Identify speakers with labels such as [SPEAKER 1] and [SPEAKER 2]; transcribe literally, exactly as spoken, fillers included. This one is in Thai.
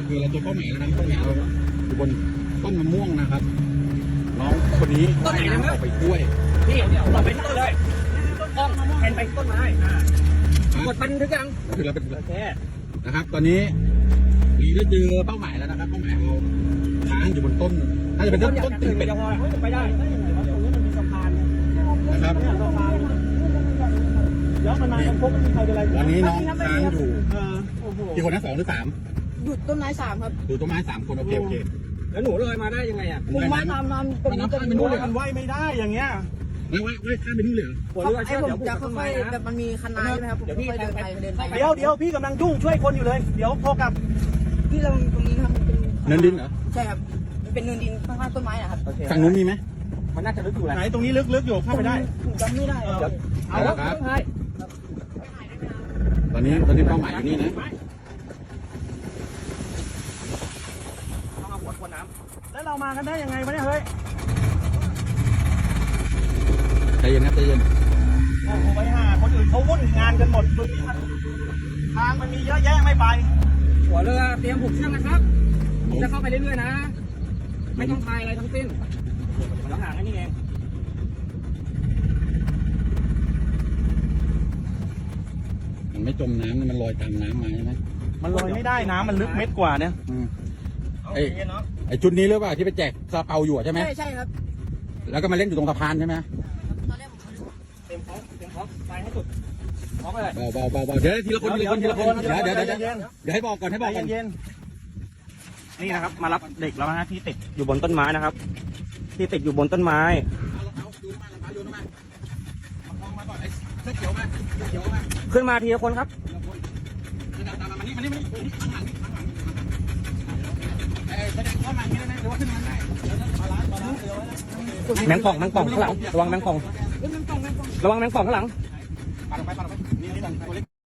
[SPEAKER 1] คือเราตัวเป้าหมายแล้วนะเป้าหมายเราอยู่บนต้นมะม่วงนะครับน้องคนนี้ว่ายน้ำออกไปกล้วย
[SPEAKER 2] พี่หลบไปที่ต้นเลยต้นกล้องแทนไปต้นไม้กดบันทึกยัง
[SPEAKER 1] คือเราเป็น
[SPEAKER 2] โอเค
[SPEAKER 1] นะครับ ตอนนี้ลีได้เจอเป้าหมายแล้วนะครับเป้าหมายเราค้างอยู่บนต้นน่าจะเป็นต้นต้นตีนเป็ด
[SPEAKER 2] จะพอไปได้ตรงนี้มันมีสะพาน
[SPEAKER 1] นะครับ
[SPEAKER 2] สะพานเดี๋ยวมันมาพบมันมีใครเป็นไร
[SPEAKER 1] วันนี้น้องค้างอยู่
[SPEAKER 2] เออโอ้โห
[SPEAKER 1] กี่คนนะสองหรือสาม
[SPEAKER 3] หยุดต้นไม้สามครับ
[SPEAKER 1] ดูต้นไม้สามคนโอเคโอเค
[SPEAKER 2] แล้วหนูลอยมาได้ยังไงอ่ะ
[SPEAKER 3] ผมว่าตามน้ำตรงนี้จะมี
[SPEAKER 2] มันว่ายไม่ได้อย่างเงี้ย
[SPEAKER 1] ไม่ว่าไม่ข้ามไปนู่นเลยเหรอ
[SPEAKER 2] หัวเรือ
[SPEAKER 3] ไอ้
[SPEAKER 2] เชื่อ
[SPEAKER 3] ผม
[SPEAKER 2] เดี๋ยว
[SPEAKER 3] จะค่อยๆแบบมันมีคันนาใช่ไหมครับผมค่อยๆเดินไปเดินไป
[SPEAKER 2] เดี๋ยวเดี๋ยวพี่กำลังยุ่งช่วยคนอยู่เลย เดี๋ยวพอกลับ
[SPEAKER 3] ที่เราตรงนี้ครับเป็น
[SPEAKER 1] เนินดินเหรอ
[SPEAKER 3] ใช่ครับมันเป็นเนินดินข้างๆต้นไม้นะครับ
[SPEAKER 1] ฝั่งนู้นมีไหม
[SPEAKER 2] มันน่าจะลึกอยู่แหละไหนตรงนี้ลึกๆอยู่เข้าไปได้
[SPEAKER 3] ผมจำไม่ได้
[SPEAKER 1] เอาละครับตอนนี้ตอนนี้เป้าหมายอยู่นี่นะ
[SPEAKER 2] ต้องเอาหัวทวนน้ำแล้วเรามากันได้ยังไงวะเนี่ยเฮ้ย
[SPEAKER 1] ใจเย็นครับใจเย็น
[SPEAKER 2] โอ้โหไปหาคนอื่นเขาวุ่นงานกันหมดดูนี่มันทางมันมีเยอะแยะไม่ไปหัวเรือเตรียมผูกเชือกนะครับจะเข้าไปเรื่อยๆนะ ไม่ต้องพายอะไรทั้งสิ้นมันต้องหางแค่นี้เอง
[SPEAKER 1] มันไม่จมน้ำมันลอยตามน้ำมาใช่ไหม
[SPEAKER 2] มันลอยไม่ได้น้ำมันลึกเม็ดกว่าเนี่ย
[SPEAKER 1] อืมไอ้ไอ้จุดนี้หรือเปล่าที่ไปแจกซาเปาอยู่ใช่ไหม
[SPEAKER 3] ใช่ใช่ครับ
[SPEAKER 1] แล้วก็มาเล่นอยู่ตรงสะพานใช่ไหม
[SPEAKER 3] ตอนแรกผม
[SPEAKER 2] เต็มพร้อมเต็มพร้อมไปให้สุดพร้อมเลย
[SPEAKER 1] เบาเบาเบาเบาเดี๋ยวทีละคนทีละคนทีละคนเดี๋ยวเดี๋ยวเดี๋ยวเดี๋ยวเดี๋ยวให้บอกก่อนให้บอกก่อน
[SPEAKER 2] เย็นๆนี่นะครับ มารับเด็กแล้วนะที่ติดอยู่บนต้นไม้นะครับ ที่ติดอยู่บนต้นไม้ ขึ้นมาทีละคนครับ แมงป่องแมงป่องข้างหลังระวังแมงป่องระวังแมงป่องข้างหลัง
[SPEAKER 1] ปาดไปปาดไปนี่นี่ตัวเล็ก